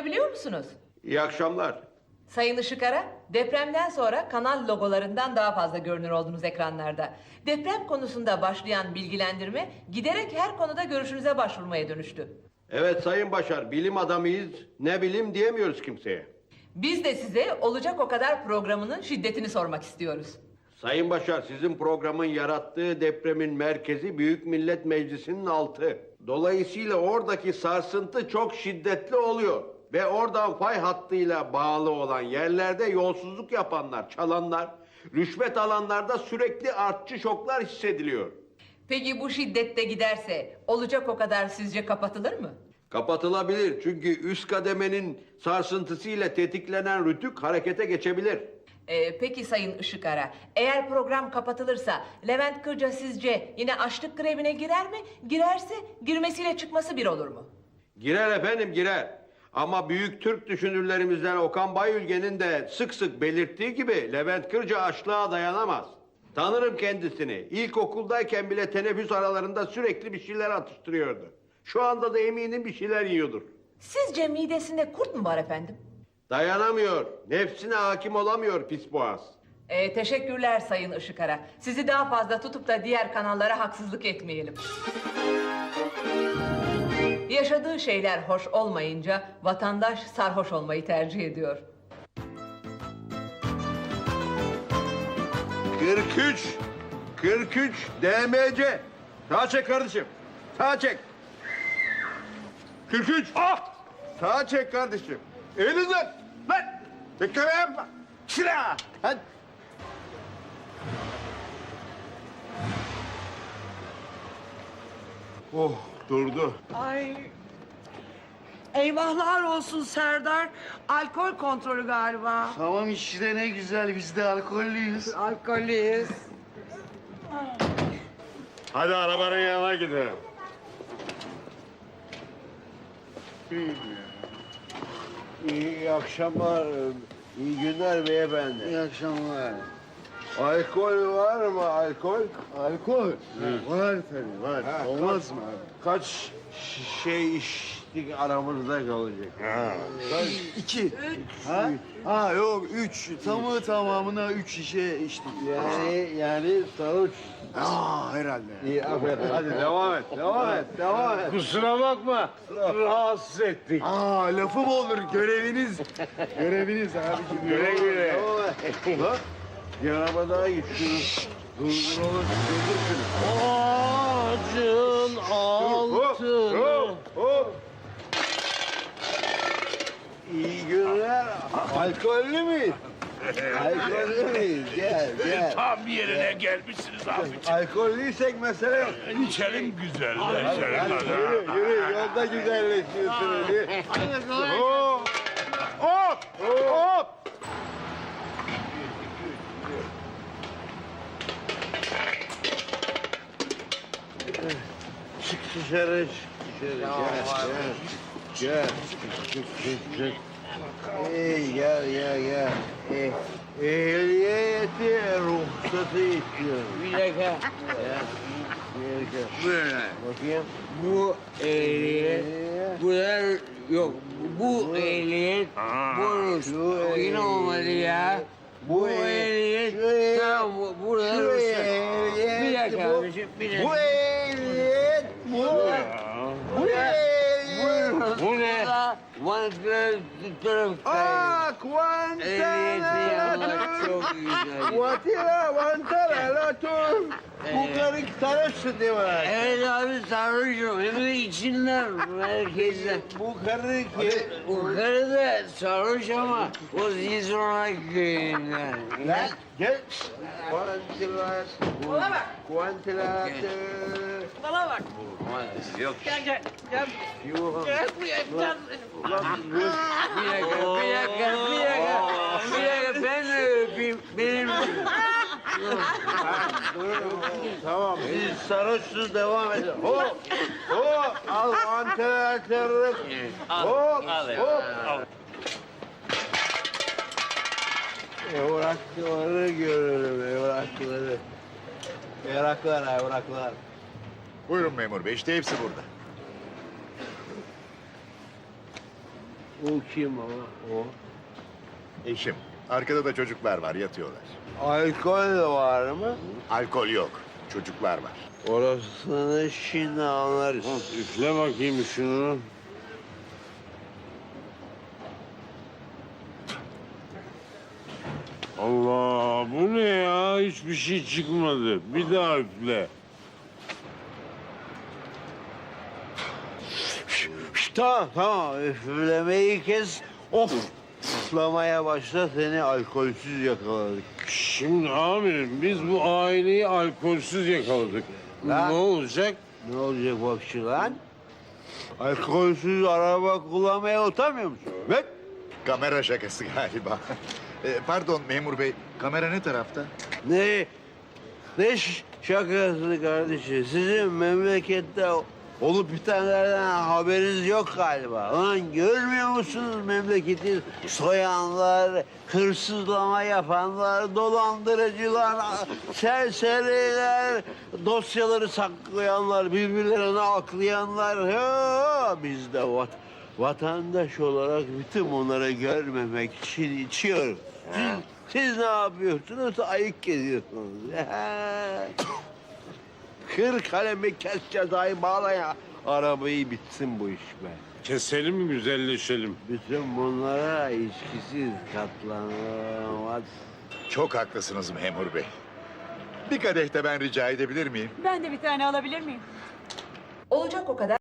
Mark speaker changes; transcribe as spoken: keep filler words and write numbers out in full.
Speaker 1: tanıyabiliyor musunuz?
Speaker 2: İyi akşamlar.
Speaker 1: Sayın Işıkara, depremden sonra kanal logolarından daha fazla görünür oldunuz ekranlarda. Deprem konusunda başlayan bilgilendirme giderek her konuda görüşünüze başvurmaya dönüştü.
Speaker 2: Evet Sayın Başar, bilim adamıyız. Ne bilim diyemiyoruz kimseye.
Speaker 1: Biz de size olacak o kadar programının şiddetini sormak istiyoruz.
Speaker 2: Sayın Başar, sizin programın yarattığı depremin merkezi Büyük Millet Meclisi'nin altı. Dolayısıyla oradaki sarsıntı çok şiddetli oluyor. Ve oradan fay hattıyla bağlı olan yerlerde yolsuzluk yapanlar, çalanlar, rüşvet alanlarda sürekli artçı şoklar hissediliyor.
Speaker 1: Peki bu şiddette giderse olacak o kadar sizce kapatılır mı?
Speaker 2: Kapatılabilir çünkü üst kademenin sarsıntısıyla tetiklenen rütük harekete geçebilir.
Speaker 1: Ee, peki Sayın Işıkara, eğer program kapatılırsa Levent Kırca sizce yine açlık grevine girer mi? Girerse girmesiyle çıkması bir olur mu?
Speaker 2: Girer efendim girer. Ama büyük Türk düşünürlerimizden Okan Bayülgen'in de sık sık belirttiği gibi Levent Kırca açlığa dayanamaz. Tanırım kendisini. İlkokuldayken bile teneffüs aralarında sürekli bir şeyler atıştırıyordu. Şu anda da eminim bir şeyler yiyordur.
Speaker 1: Sizce midesinde kurt mu var efendim?
Speaker 2: Dayanamıyor. Nefsine hakim olamıyor pis boğaz.
Speaker 1: Ee, teşekkürler Sayın Işıkara. Sizi daha fazla tutup da diğer kanallara haksızlık etmeyelim. Yaşadığı şeyler hoş olmayınca vatandaş sarhoş olmayı tercih ediyor.
Speaker 2: kırk üç, kırk üç D M C. Sağa çek kardeşim. Sağa çek. kırk üç. Ah! Sağa çek kardeşim. Elinizden. Lan! Bekleme yapma. Şira! Hadi. Oh, durdu.
Speaker 3: Ay. Eyvahlar olsun Serdar. Alkol kontrolü galiba.
Speaker 4: Tamam işte ne güzel biz de alkollüyüz.
Speaker 3: Alkollüyüz.
Speaker 2: Hadi arabanın yanına gidelim. İyi akşamlar, iyi günler beyefendi.
Speaker 4: İyi akşamlar.
Speaker 2: Alkol var mı alkol?
Speaker 4: Alkol? Var tabii var.
Speaker 2: Ha,
Speaker 4: Olmaz mı abi?
Speaker 2: Kaç ş- şey içtik aramızda kalacak? Ha.
Speaker 4: İki. Ha? Ha yok üç. Tamı tamamına üç şişe içtik.
Speaker 2: Yani yani sarhoş.
Speaker 4: Aa herhalde.
Speaker 2: İyi aferin. Hadi devam et, devam et, devam et.
Speaker 5: Kusura bakma, rahatsız ettik.
Speaker 4: Aa lafı mı olur göreviniz? göreviniz abi.
Speaker 2: Güle güle. Devam et. Bak, bir araba daha git şunu. Durduralım, durdur şunu.
Speaker 5: Ağacın altını.
Speaker 2: Hop, hop. İyi günler. Alkollü müyüz? Alkollü müyüz? Gel, gel.
Speaker 5: Tam yerine gelmişsiniz abi.
Speaker 2: Alkollüysek mesele yok.
Speaker 5: İçelim güzel,
Speaker 2: Hadi,
Speaker 5: içelim.
Speaker 2: hadi, yürü, yürü. Yolda güzelleşiyorsun hadi. Hop, hop, hop. Çık dışarı, çık dışarı. Gel, gel. Gel, çık, çık, çık. Hey, gel, gel, gel. Eh, ehliyeti, ruhsatı istiyorum.
Speaker 6: Bir dakika.
Speaker 2: Ya, bir dakika.
Speaker 6: Böyle.
Speaker 2: Bakayım.
Speaker 6: Bu ehliyet, bu da yok. Bu ehliyet, bonus.
Speaker 2: Şu
Speaker 6: Yine olmadı ya.
Speaker 2: Bu
Speaker 6: Bu
Speaker 2: ehliyet,
Speaker 6: ehliyet,
Speaker 2: şu ehliyet,
Speaker 6: tamam bu, burada
Speaker 2: şu
Speaker 6: ruhsat.
Speaker 2: ehliyet,
Speaker 6: Bir dakika
Speaker 2: bu-
Speaker 6: abiciğim, bir dakika.
Speaker 2: Bu ehliyet, bu, bu ehliyet.
Speaker 6: Bu ne? Vantıkları tutarım.
Speaker 2: Ah,
Speaker 6: Ehliyeti yapmak
Speaker 2: Guantanamo.
Speaker 6: çok güzel.
Speaker 2: Guatira, Guantanamo. Bu karı sarhoşsun değil mi?
Speaker 6: Evet abi sarhoşum. Hem de içinden, merkezden.
Speaker 2: Bu karı ki...
Speaker 6: Bu karı da sarhoş ama o Zizona köyünden.
Speaker 2: Lan gel. Guantilatör.
Speaker 3: Bana bak.
Speaker 2: Guantilatör.
Speaker 3: Bana bak.
Speaker 6: Yok.
Speaker 3: Gel gel gel.
Speaker 2: Yuh.
Speaker 3: Gel buraya. Gel.
Speaker 2: Ulan dur.
Speaker 6: Bir dakika, bir dakika, bir dakika. Bir dakika ben de öpeyim. Benim
Speaker 2: Tamam, siz sarhoşsunuz devam edin. Hop, hop, al vantilatörü. Hop, hop. Evrakları görelim, evrakları. Evraklar, evraklar.
Speaker 7: Buyurun memur bey, işte hepsi burada.
Speaker 5: O kim o? O.
Speaker 7: Eşim. Arkada da çocuklar var, yatıyorlar.
Speaker 6: Alkol de var mı?
Speaker 7: Alkol yok, çocuklar var.
Speaker 6: Orasını şimdi anlarız.
Speaker 5: Üfle bakayım şunu. Allah, bu ne ya? Hiçbir şey çıkmadı. Bir daha üfle.
Speaker 6: Şşt, tamam tamam üflemeyi kes. Of. Üflemeye başla seni alkolsüz yakaladık.
Speaker 5: Şimdi amirim biz bu aileyi alkolsüz yakaladık.
Speaker 6: Lan.
Speaker 5: Ne olacak?
Speaker 6: Ne olacak bakşı lan? Alkolsüz araba kullanmaya utanmıyor musun?
Speaker 7: Ve kamera şakası galiba. E, pardon memur bey, kamera ne tarafta?
Speaker 6: Ne? Ne ş- şakası kardeşim? Sizin memlekette olup bitenlerden haberiniz yok galiba. Lan görmüyor musunuz memleketi soyanlar, hırsızlama yapanlar, dolandırıcılar, serseriler, dosyaları saklayanlar, birbirlerine aklayanlar. Ha, biz de vat vatandaş olarak bütün bunları görmemek için içiyoruz. Siz, siz ne yapıyorsunuz? Ayık geziyorsunuz. Kır kalemi kes cezayı bağla ya. Arabayı bitsin bu iş be.
Speaker 5: Keselim mi güzelleşelim?
Speaker 6: Bütün bunlara içkisiz katlanamaz.
Speaker 7: Çok haklısınız memur bey. Bir kadeh de ben rica edebilir miyim?
Speaker 8: Ben de bir tane alabilir miyim?
Speaker 1: Olacak o kadar.